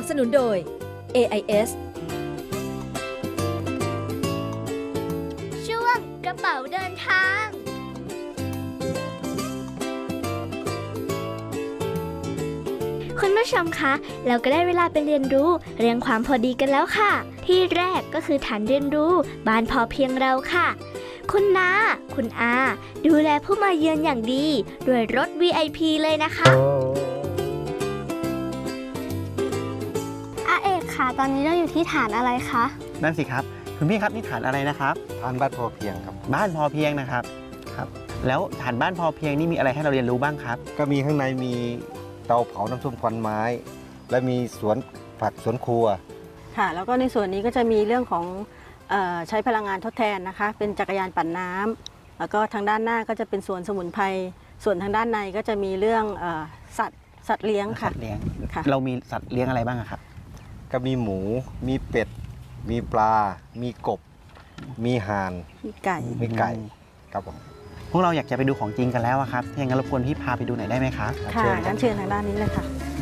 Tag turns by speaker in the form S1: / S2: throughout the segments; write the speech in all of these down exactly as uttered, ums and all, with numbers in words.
S1: สนุนโดย เอ ไอ เอส
S2: ช่วงกระเป๋าเดินทางคุณผู้ชมคะเราก็ได้เวลาไปเรียนรู้เรื่องความพอดีกันแล้วค่ะที่แรกก็คือฐานเรียนรู้บ้านพอเพียงเราค่ะคุณน้าคุณอาดูแลผู้มาเยือนอย่างดีด้วยรถ วี ไอ พี เลยนะคะอาเอกค่ะตอนนี้เราอยู่ที่ฐานอะไรคะ
S3: นั่นสิครับคุณพี่ครับนี่ฐานอะไรนะครับ
S4: ฐานบ้านพอเพียงครับ
S3: บ้านพอเพียงนะครับครับแล้วฐานบ้านพอเพียงนี่มีอะไรให้เราเรียนรู้บ้างครับ
S4: ก็มีข้างในมีเตาเผาน้ำส้มควันไม้ และมีสวนผักสวนครัว
S5: ค่ะแล้วก็ในส่วนนี้ก็จะมีเรื่องของเอ่อใช้พลังงานทดแทนนะคะเป็นจักรยานปั่นน้ำแล้วก็ทางด้านหน้าก็จะเป็นสวนสมุนไพรส่วนทางด้านในก็จะมีเรื่องเอ่อสัตว์สัตว์เลี้ยงค่ะ
S3: สัตว์เลี้ยง
S5: ค่ะ
S3: เรามีสัตว์เลี้ยงอะไรบ้างอะครับ
S4: ก็มีหมู มีเป็ด มีปลา มีกบ มีห่าน
S5: มีไก่
S4: มีไก่ครับผม
S3: พวกเราอยากจะไปดูของจริงกันแล้วอะครับถ้าอย่างนั้นรบกวนพี่พาไปดูหน่อยได้ไหมครับ
S5: ค่ะ
S4: เชิญครั
S5: งั้
S4: บ
S5: นเชิญทางด้านนี้เลยค่ะ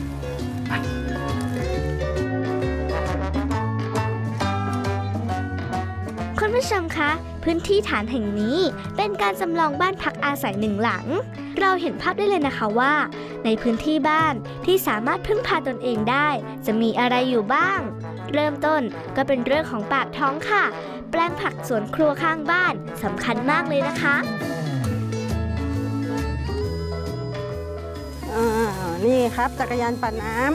S2: คุณผู้ชมคะพื้นที่ฐานแห่งนี้เป็นการจำลองบ้านพักอาศัยหนึ่งหลังเราเห็นภาพได้เลยนะคะว่าในพื้นที่บ้านที่สามารถพึ่งพาตนเองได้จะมีอะไรอยู่บ้างเริ่มต้นก็เป็นเรื่องของปากท้องค่ะแปลงผักสวนครัวข้างบ้านสำคัญมากเลยนะคะ
S5: อ่านี่ครับจักรยานปั่นน้ำ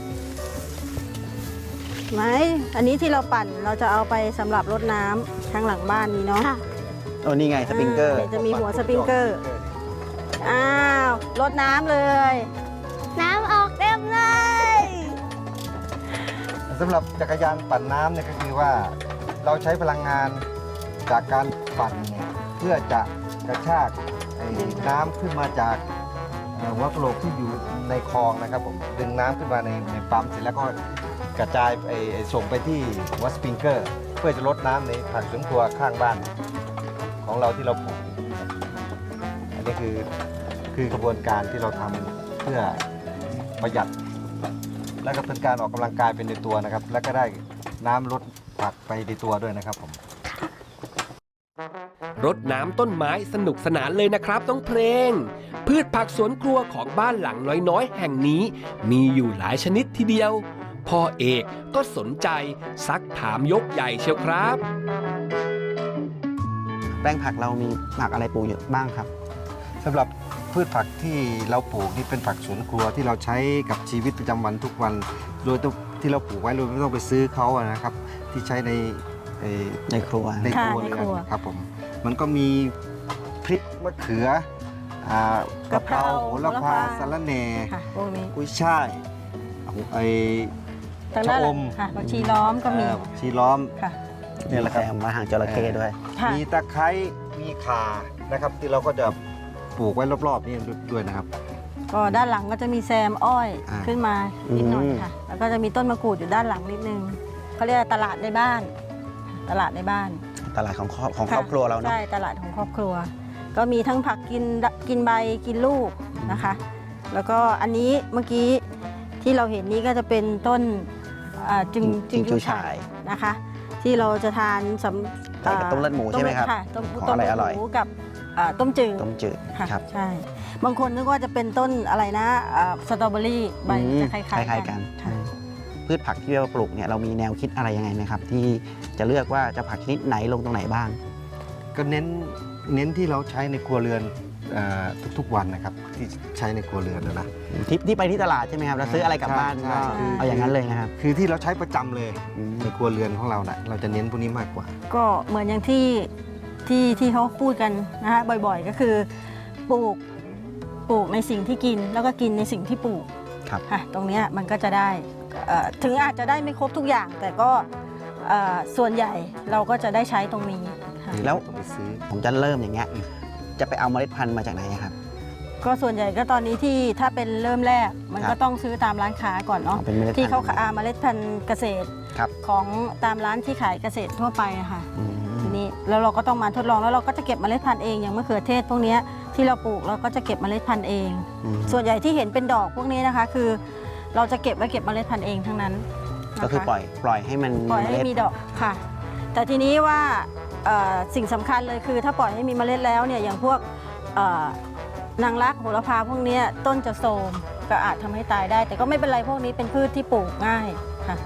S5: ไหมอันนี้ที่เราปั่นเราจะเอาไปสำหรับรดน้ำข้างหลังบ้านนี้เนาะ
S3: โอ้นี่ไงสปริงเกอร์
S5: าจะมีหัวสปริงเกอร์อ้าวรดน้ำเลย
S2: น้ำออกเต็มเลย
S4: สำหรับจักรยานปั่นน้ำเนี่ยก็คือว่าเราใช้พลังงานจากการปั่นเนี่ยเพื่อจะกระชากไอ้น้ำขึ้นมาจากเอ่อหัวกะโหลกที่อยู่ในคลองนะครับผมดึงน้ำขึ้นมาในในปั๊มเสร็จแล้วก็กระจายไอ้ไอ้ส่งไปที่หัวสปริงเกอร์ เพื่อจะลดน้ำในผักสวนครัวข้างบ้านของเราที่เราปลูกอันนี้คือคือกระบวนการที่เราทำเพื่อประหยัด แล้วก็เป็นการออกกำลังกายเป็นในตัวนะครับ แล้วก็ได้น้ำลดผักไปในตัวด้วยนะครับผม
S6: รดน้ำต้นไม้สนุกสนานเลยนะครับน้องเพลง พืชผักสวนครัวของบ้านหลังน้อยๆ แห่งนี้มีอยู่หลายชนิดทีเดียวพ่อเอกก็สนใจซักถามยกใหญ่เชียวครับ
S3: แปลงผักเรามีผักอะไรปลูกอยู่บ้างครับ
S4: สำหรับพืชผักที่เราปลูกนี่เป็นผักสวนครัวที่เราใช้กับชีวิตประจำวันทุกวัน โดยที่เราปลูกไว้โดยไม่ต้องไปซื้อเขาอะนะครับ ที่ใช้ในใน
S3: ในครัว
S4: ในครัว
S5: ค่ะใน
S4: เรื
S5: ครัว
S4: อนครับผมมันก็มีพริกมะเขืออ่ากะเพราโหระพาสะระแหน่
S5: ค่ะพวกนี้
S4: กุ้ยช่ายไอ
S5: ทางด้านหลัง
S4: ชะอม
S5: ค่ะผักชีล้อมก็มี
S4: เอ่อชีล้อม
S5: ค่ะ
S3: นี่แหละครับมาหางจระเข้ด้วย
S5: ค่ะ
S4: มีตะไคร้มีข่านะครับ ที่เราก็จะปลูกไว้รอบๆนี่ด้วยนะครับ
S5: ก็ด้านหลังก็จะมีแซมอ้อย
S4: อ่า
S5: ขึ้นมานิดหน่อย
S3: อืม
S5: ค่ะ แล้วก็จะมีต้นมะกรูดอยู่ด้านหลังนิดนึงเขาเรียกว่าตลาดในบ้าน ตลาดในบ้าน
S3: ตลาดของครอบของครอบครัวเราเนาะ
S5: ใช่ตลาดของครอบครัว ก็มีทั้งผักกินกินใบกินลูกนะคะ แล้วก็อันนี้เมื่อกี้ที่เราเห็นนี้ก็จะเป็นต้นอ่าจึง
S3: จิงจูฉ่าย
S5: นะคะ ที่เราจะทานสำ
S3: ใส่กับต้มเลือดหมูใช่ไหมครับ
S5: ค่ะต้ม
S3: ของ
S5: ต้ม
S3: อร่อย
S5: เลือด
S3: อร่อย
S5: หมูกับอ่าต้มจืด
S3: ต้มจืด
S5: ค่ะ
S3: ครับ
S5: ใช่ บางคนนึกว่าจะเป็นต้นอะไรนะอ่าสตรอเบอรี่ใบ
S3: อืม
S5: จะคล้าย
S3: คล้ายๆ
S5: ๆ
S3: กั
S5: กัน นค่ะ
S3: พืชผักที่เราปลูกเนี่ยเรามีแนวคิดอะไรยังไงไหมครับ ที่จะเลือกว่าจะผักชนิดไหนลงตรงไหนบ้าง
S4: ก็เน้นเน้นที่เราใช้ในครัวเรือนอ่าทุกๆวันนะครับที่ใช้ในครัวเรือนนะนะ
S3: ที่ที่ไปที่ตลาดใช่ไหมครับแล้วซื้ออะไรกลับบ้าน
S4: ใช่
S3: ก็
S4: ใช่
S3: เอาอย่างนั้นเลยนะครับ
S4: คือที่เราใช้ประจำเลย
S3: อืม
S4: ในครัวเรือนของเรานะเราจะเน้นพวกนี้มากกว่า
S5: ก็เหมือนอย่างที่ที่ที่เขาพูดกันนะคะบ่อยๆ ก็คือปลูกปลูกในสิ่งที่กินแล้วก็กินในสิ่งที่ปลูก
S3: ครับ
S5: ค่ะตรงเนี้ยมันก็จะได้เอ่อถึงอาจจะได้ไม่ครบทุกอย่าง แต่ก็เอ่อส่วนใหญ่เราก็จะได้ใช้ตรงนี้ค่ะ
S3: แล้ว
S4: ต้องไปซื้อ
S3: ผมจะเริ่มอย่างเงี้ยจะไปเอาเมล็ดพันธุ์มาจากไหนอะครับ
S5: ก็ส่วนใหญ่ก็ตอนนี้ที่ถ้าเป็นเริ่มแรกมัน
S3: ครั
S5: ก็
S3: บ
S5: ต้องซื้อตามร้านค้าก่อนเนาะ
S3: เอาเป็นเมล็ด
S5: ที่เขา
S3: พันธุ์
S5: อาเมล็ดพันธุ์เกษตร
S3: ครับ
S5: ของตามร้านที่ขายเกษตรทั่วไปอะค่ะ
S3: อืม
S5: ทีนี้แล้วเราก็ต้องมาทดลองแล้วเราก็จะเก็บเมล็ดพันธุ์เองอย่างมะเขือเทศพวกเนี้ยที่เราปลูกเราก็จะเก็บเมล็ดพันธุ์เอง
S3: อืม
S5: ส่วนใหญ่ที่เห็นเป็นดอกพวกนี้นะคะคือเราจะเก็บไว้เก็บเมล็ดพันธุ์เองทั้งนั้นนะคะ
S3: ก็คือปล่อยปล่อยให้มัน
S5: ปล่อยให้
S3: เมล็ด
S5: มีดอกค่ะ แต่ทีนี้ว่าเอ่อสิ่งสำคัญเลยคือถ้าปล่อยให้มีเมล็ดแล้วเนี่ยอย่างพวกเอ่อนางรักโหระพาพวกเนี้ยต้นจะโทรมก็อาจทำให้ตายได้ แต่ก็ไม่เป็นไรพวกนี้เป็นพืชที่ปลูกง่ายค่ะ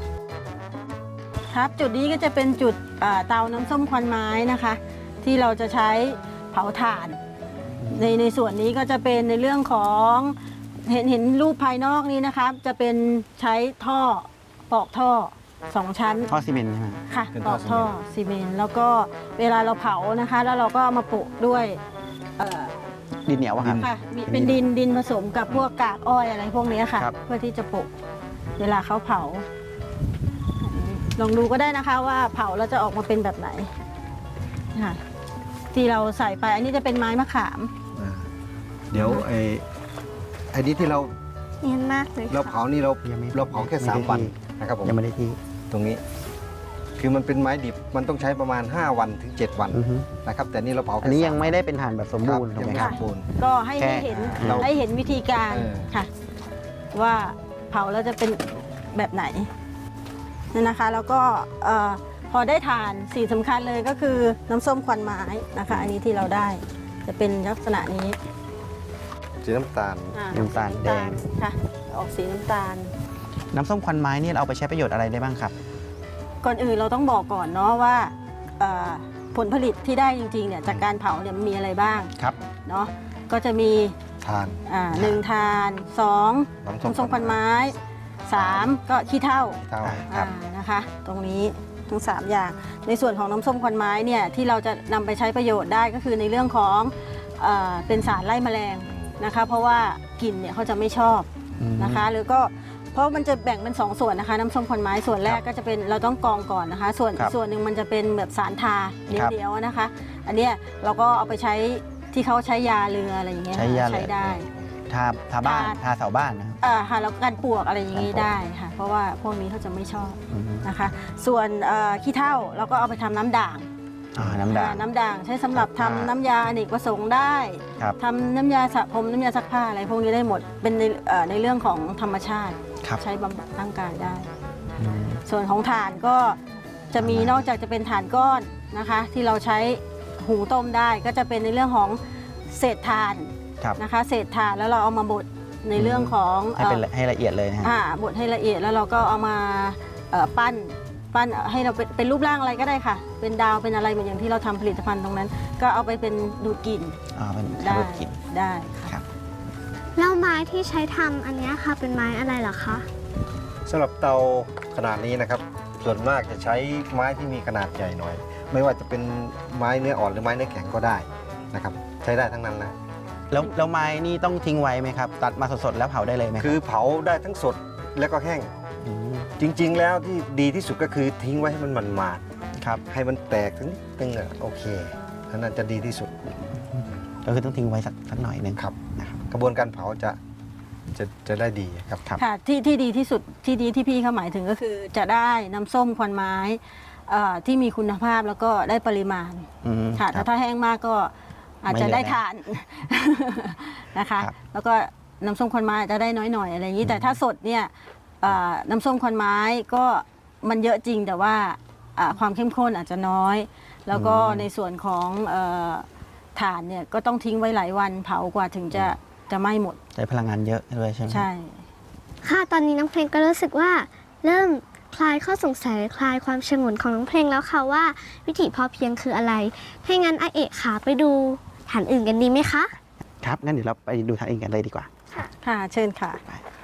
S5: ครับจุดนี้ก็จะเป็นจุดเอ่อเตาน้ำส้มควันไม้นะคะ ที่เราจะใช้เผาถ่าน ในในส่วนนี้ก็จะเป็นในเรื่องของเห็นเห็นรูปภายนอกนี้นะครับจะเป็นใช้ท่อปอกท่อสองชั้น
S3: ท่อซีเมนต์ใช่ไหม
S5: ค่ะ
S4: เป็น
S5: ป
S4: ท่
S5: อ
S4: อก
S5: ท่อซีเมนต์แล้วก็เวลาเราเผานะคะ แล้วเราก็เอามาโปะด้วยเอ่อ
S3: ดินเหนียวอะครับ
S5: ค่ะมีเป็นดินดินผสมกับพวกกากอ้อยอะไรพวกนี้ค่ะ
S3: ครับ
S5: เพื่อที่จะโปะเวลาเขาเผา ลองดูก็ได้นะคะว่าเผาแล้วจะออกมาเป็นแบบไหนค่ะที่เราใส่ไปอันนี้จะเป็นไม้มะขาม
S4: อ่าเดี๋ยวไอ้ไอ้นี้ที่เรา
S2: เนียนมากเลย
S4: เรา
S2: ค่ะ
S4: เผานี่เรา
S3: ยังไม่
S4: เราเผาแค่สาม
S3: ไม่ได้
S4: วัน
S3: ที่
S4: นะครับผม
S3: ยังไม่ได้ที่
S4: ตรงนี้ คือมันเป็นไม้ดิบมันต้องใช้ประมาณ ห้า วันถึง เจ็ด วัน
S3: อือฮึ
S4: นะครับแต่นี่เราเผาแค่
S3: อันนี้
S4: สา
S3: ยังไม่ได้เป็นฐานแบบสมบูรณ์
S4: ค
S3: ถู
S4: บ
S3: กไหม
S4: ยัง
S3: ครับ
S4: สมบูรณ์
S5: ก็ให้
S3: แค่
S5: ให้เห็น
S4: เรา
S5: ให้เห็นวิธีการ
S4: เออ
S5: ค่ะ ว่าเผาแล้วจะเป็นแบบไหนนี่นะคะ แล้วก็เอ่อพอได้ทานสิ่งสำคัญเลยก็คือน้ำส้มควันไม้นะคะ อันนี้ที่เราได้จะเป็นลักษณะนี้
S4: สีน้ำตาล
S5: อ่
S3: น้ำตาลแดง
S5: ค่ะ ออกสีน้ำตาล
S3: น้ำส้มควันไม้นี่เราเอาไปใช้ประโยชน์อะไรได้บ้างครับ
S5: ก่อนอื่นเราต้องบอกก่อนเนาะว่าเอ่อผลผลิตที่ได้จริงๆเนี่ยจากการเผาเนี่ยมันมีอะไรบ้าง
S3: ครับ
S5: เนาะก็จะมี
S4: ทาน
S5: อ่าหนึ่งทานสอง
S4: น้ำส้ม
S5: น้ำส้มควันไม้สามก็ขี้เถ้า
S4: เท่า
S3: ครับ
S5: อ่านะคะ ตรงนี้ทั้งสามอย่างในส่วนของน้ำส้มควันไม้เนี่ยที่เราจะนำไปใช้ประโยชน์ได้ก็คือในเรื่องของเออเป็นสารไล่แมลงนะคะ เพราะว่ากลิ่นเนี่ยเขาจะไม่ชอบ
S3: อืม
S5: นะคะ หรือก็เพราะมันจะแบ่งเป็นสองส่วนนะคะ น้ำส้มควันไม้ส่วนแรกก็จะเป็นเราต้องกรองก่อนนะคะ ส่วน
S3: ครับ
S5: ส่วนหนึ่งมันจะเป็นแบบสารทาเ
S3: ครับ
S5: ดียวๆนะคะ อันเนี้ยเราก็เอาไปใช้ที่เขาใช้ยาเรืออะไรอย่างเงี้ย
S3: ใช้ยาเรือ
S5: ใช้ได้
S3: ทาทาบ้าน
S5: ทา
S3: ทาเสาบ้านนะครับ
S5: อ่าค่ะแล้วก็การปลวกอะไรอย่างงี้
S3: การปลวก
S5: ได้ค่ะ เพราะว่าพวกนี้เขาจะไม่ชอบ
S3: อืม
S5: นะคะ ส่วนเอ่อขี้เถ้าเราก็เอาไปทำน้ำด่าง
S3: อ่าน้ำด่าง
S5: อ่าน้ำด่างใช้สำหรับทำ
S3: ซักผ้า
S5: น้ำยาอเนกประสงค์ได้
S3: ครับ
S5: ทำน้ำยาสระผมน้ำยาซักผ้าอะไรพวกนี้ได้หมดเป็นในเอ่อในเรื่องของธรรมชาติ
S3: ครับ
S5: ใช้บำบัดร่างกายได้
S3: อืม
S5: ส่วนของถ่านก็จะมี
S3: ถ่าน
S5: นอกจากจะเป็นถ่านก้อนนะคะ ที่เราใช้หุงต้มได้ก็จะเป็นในเรื่องของเศษถ่าน
S3: ครับ
S5: นะคะ เศษถ่านแล้วเราเอามาบดในเรื่องของ
S3: ให้เป็น
S5: เอ่อ
S3: ให้ละเอียดเลยนะฮะ
S5: อ่าบดให้ละเอียดแล้วเราก็เอามาเอ่อปั้นปั้นให้เราเป็นเป็นรูปร่างอะไรก็ได้ค่ะ เป็นดาวเป็นอะไรเหมือนอย่างที่เราทำผลิตภัณฑ์ตรงนั้น ก็เอาไปเป็นดูดกลิ่น
S3: อ่าเป็น
S5: ได้
S3: คาร์บอนกลิ่น
S5: ได้ค่ะ
S3: ครับ
S2: แล้วไม้ที่ใช้ทำอันเนี้ยค่ะเป็นไม้อะไรเหรอคะ
S4: สำหรับเตาขนาดนี้นะครับ ส่วนมากจะใช้ไม้ที่มีขนาดใหญ่หน่อย ไม่ว่าจะเป็นไม้เนื้ออ่อนหรือไม้เนื้อแข็งก็ได้นะครับ ใช้ได้ทั้งนั้นนะ
S3: แล้วแล้วไม้นี่ต้องทิ้งไว้ไหมครับ ตัดมาสดๆแล้วเผาได้เลยไหมรับ
S4: คือเผาได้ทั้งสดและก็แห้ง
S3: ม
S4: จริง ๆ แล้วที่ดีที่สุดก็คือทิ้งไว้ให้มันมันมาด
S3: ครับ
S4: ๆให้มันแตกทั้งนิดนึงอ่ะโอเคอันนั้นจะดีที่สุด
S3: ก็คือต้องทิ้งไว้สักสักหน่อยหนึ่ง
S4: ครับ
S3: นะครับ
S4: กระบวนการเผาจะจะจะได้ดีครับ
S3: ครับ
S5: ค่ะที่ที่ดีที่สุดที่ดีที่พี่เขาหมายถึงก็คือจะได้น้ำส้มควันไม้เอ่อที่มีคุณภาพแล้วก็ได้ปริมาณ
S3: อืม
S5: ค่ะ
S3: ค
S5: แต่
S3: รับ
S5: ถ้าแห้งมากก็อาจจะ
S3: ไม่เหลือ
S5: ได้ทาน นะคะ
S3: ครับ
S5: แล้วก็น้ำส้มควันไม้อาจจะได้น้อยหน่อยอะไรอย่างนี้ แต่ถ้าสดเนี่ยเอ่อน้ำส้มควันไม้ก็มันเยอะจริงแต่ว่าอ่าความเข้มข้นอาจจะน้อย แล้วก็ในส่วนของเอ่อถ่านเนี่ยก็ต้องทิ้งไว้หลายวันเผากว่าถึงจะจะไหม้หมด
S3: ใช้พลังงานเยอะด้วยใช่ไหม
S5: ใช่
S2: ค่ะ ตอนนี้น้องเพลงก็รู้สึกว่าเริ่มคลายข้อสงสัยคลายความฉงนของน้องเพลงแล้วค่ะว่าวิถีพอเพียงคืออะไรถ้างั้นอาเอกค่ะไปดูฐานอื่นกันดีไหมคะ
S3: ครับงั้นเดี๋ยวเราไปดูทางอื่นกันเลยดีกว่า
S5: ค่ะเชิญค่ะ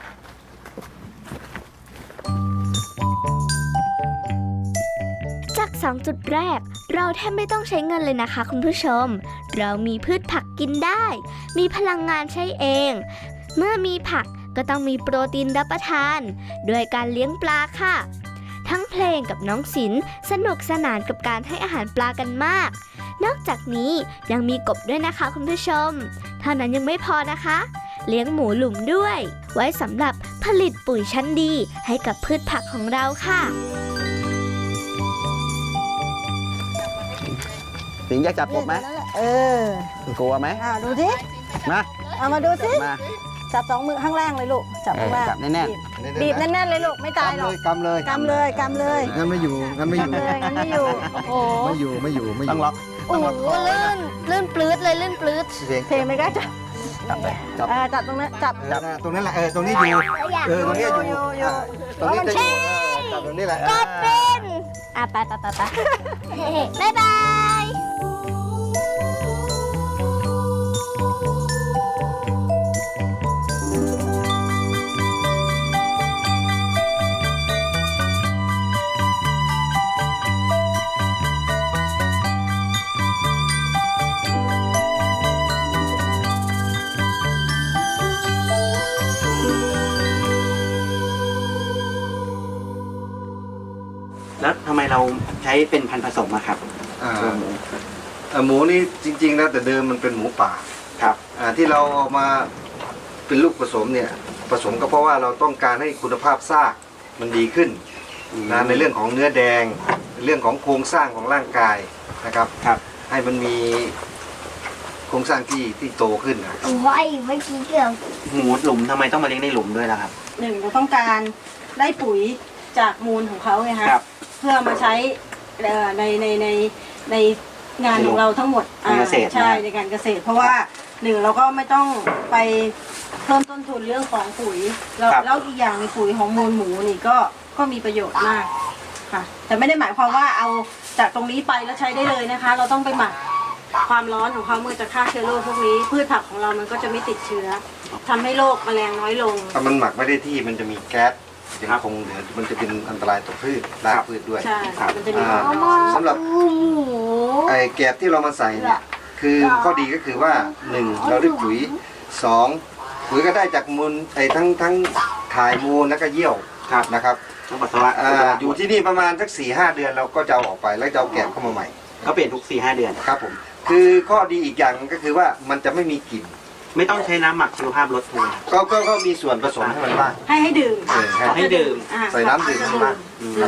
S2: จากสองจุดแรกเราแทบไม่ต้องใช้เงินเลยนะคะคุณผู้ชม เรามีพืชผักกินได้ มีพลังงานใช้เอง เมื่อมีผักก็ต้องมีโปรตีนรับประทานด้วยการเลี้ยงปลาค่ะ ทั้งเพลงกับน้องศิลป์สนุกสนานกับการให้อาหารปลากันมาก นอกจากนี้ยังมีกบด้วยนะคะคุณผู้ชม เท่านั้นยังไม่พอนะคะ เลี้ยงหมูหลุมด้วย ไว้สำหรับผลิตปุ๋ยชั้นดีให้กับพืชผักของเราค่ะ
S3: สิงห์อยากจับกบไหม
S5: เออ
S3: กลัวไหม
S5: อ่าดูสิ
S3: มา
S5: เอามาดูสิ
S3: มา
S5: จับสองมือข้างล่างเลยลูกจับข้างล่าง
S3: จับแน่น
S5: บีบแน่นๆเลยลูกไม่ตายหรอก
S4: กำเลย
S5: กำเลยกำเลย
S4: งั้นไม่อยู่งั้นไม่อยู่
S5: กำเลยงั้นไม่อยู่โอ้โห
S4: ไม่อยู่ไม่อยู่ไม่อ
S3: ๆ ต้อง
S4: ยู่
S3: ล็อก
S2: โอ้โหลื่นลื่นปลื้ดเลยลื่นปลื้ด
S4: เสียง
S5: เพลงไม่กล้าจับ
S3: จับเลย
S4: จับ
S5: เออจับตรงนั้นจับ
S4: เออนะตรงนั้นแหละเออตรงนี้อยู่เออตรงนี้อยู่
S5: อยู่อยู่
S4: อ่ะตรงนี้จะอยู่เออจับตรงนี้แหละ
S2: ก็เป็นอ่ะไปไปไปไปบ๊ายบาย
S3: แล้วทำไมเราใช้เป็นพันธุ์ผสมอะครับ
S4: อ่า
S3: ตัวหมู
S4: อ่าหมูนี่จริงๆแล้วแต่เดิมมันเป็นหมูป่า
S3: ครับ
S4: อ่าที่เราเอามาเป็นลูกผสมเนี่ยผสมก็เพราะว่าเราต้องการให้คุณภาพซากมันดีขึ้นนะในเรื่องของเนื้อแดงเรื่องของโครงสร้างของร่างกายนะครับ
S3: ครับ
S4: ให้มันมีโครงสร้างที่ที่โตขึ้นนะ
S2: ไว้เมื่อกี้เกือบ
S3: หมูหลุมทำไมต้องมาเลี้ยงในหลุมด้วยล่ะครับ
S5: หนึ่งเราต้องการได้ปุ๋ยจากมูลของเขาไงฮะ
S3: ครับ
S5: เพื่อมาใช้เอ่อในในในในงานของเราทั้งหมด
S3: ในเกษตร
S5: อ่าใช่
S3: นะ
S5: ในการเกษตร เพราะว่าหนึ่งเราก็ไม่ต้องไปเพิ่มต้นทุนเรื่องของปุ๋ยแล้ว
S3: ครับ
S5: แล้วอีกอย่างในปุ๋ยของมูลหมูนี่ก็ก็มีประโยชน์มากค่ะ แต่ไม่ได้หมายความว่าเอาจากตรงนี้ไปแล้วใช้ได้เลยนะคะ เราต้องไปหมักความร้อนของเขาเมื่อจะฆ่าเชื้อโรคพวกนี้พืชผักของเรามันก็จะไม่ติดเชื้อทำให้โรคแมลงน้อยลง
S4: ถ้ามันหมักไม่ได้ที่มันจะมีแก๊สยังคงเหลือมันจะเป็นอันตรายต่อพืชรากพืชด้วย
S5: ใช่มันจะมี
S4: อ่า
S5: ความร้อน
S4: สำหรับ
S2: หมู
S4: ไอ้แกบที่เรามาใส่เนี่ยคือข้อดีก็คือว่าหนึ่งเราได้ปุ๋ยสองปุ๋ยก็ได้จากมูลไอ้ทั้งทั้งถ่ายมูลแล้วก็เยี่ยว
S3: ครับ
S4: นะครับ
S3: ต้องปัสสาวะ
S4: อ่าอยู่ที่นี่ประมาณสักสี่ห้าเดือนเราก็จะเอาออกไปแล้วจะเอาแกบเข้ามาใหม่
S3: เขาเปลี่ยนทุกสี่ห้าเดือน
S4: ครับผมคือข้อดีอีกอย่างก็คือว่ามันจะไม่มีกลิ่น
S3: ไม่ต้องใช้น้ำหมักชีวภาพลดเลย
S4: ก็ก็ก็มีส่วนผสมให้มันบ้าง
S5: ให้ให้ดื่ม
S4: เออให้
S3: ให้ดื่ม
S5: อ่า
S4: ใส่น้ำดื่มให้บ้าง
S3: อืม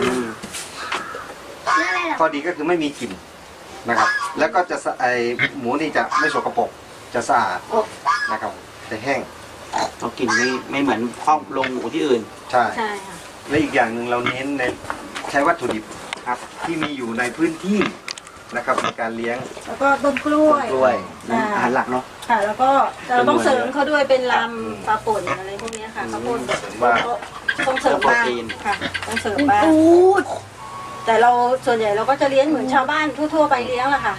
S4: ข้อดีก็คือไม่มีกลิ่นนะครับ แล้วก็จะสะไอหมูนี่จะไม่สกปรกจะสะอาดนะครับจะแห้ง
S3: เรากินไม่ไม่เหมือนข้องลงหมูที่อื่น
S4: ใช่
S5: ใช่ค่ะ
S4: และอีกอย่างหนึ่งเราเน้นในใช้วัตถุดิบครับที่มีอยู่ในพื้นที่นะครับในการเลี้ยง
S5: แล้วก็ต้นกล้วย
S3: กล้วย
S5: อ่า
S3: อาหารหลักเนาะ
S5: ค่ะ แล้วก็เราต้องเสริมเขาด้วยเป็นล
S4: อืม
S5: ำปลาป่นอะไรพวกเนี้ยค่ะข้าวโพด
S4: เสริมบ้าง
S5: ต้องเสริมบ้าง
S3: โปรตีน
S5: ค่ะต้องเสริมบ้างแต่เราส่วนใหญ่เราก็จะเลี้ยงเหมือนชาวบ้านทั่วๆไปเลี้ยงแหละค่ะ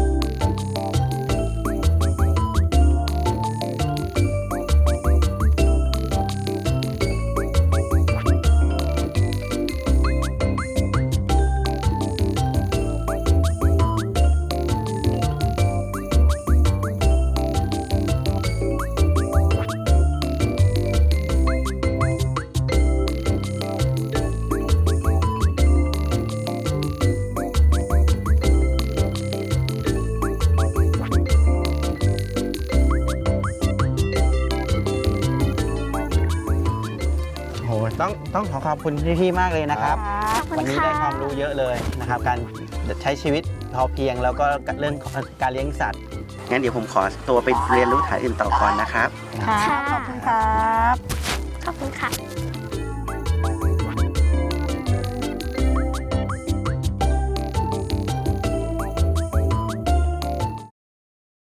S3: โหต้องต้องขอขอบคุณพี่ๆมากเลยนะครับ
S2: ขอบคุณ
S3: วันนี้
S2: ค่ะ
S3: ได้ความรู้เยอะเลยนะครับ การใช้ชีวิตพอเพียงแล้วก็เรื่องของการเลี้ยงสัตว์งั้นเดี๋ยวผมขอตัวไปเรียนรู้ฐานอื่นต่อก่อนนะครับ
S5: ค่ะ ขอบคุณครับ
S2: ขอบคุณค่ะ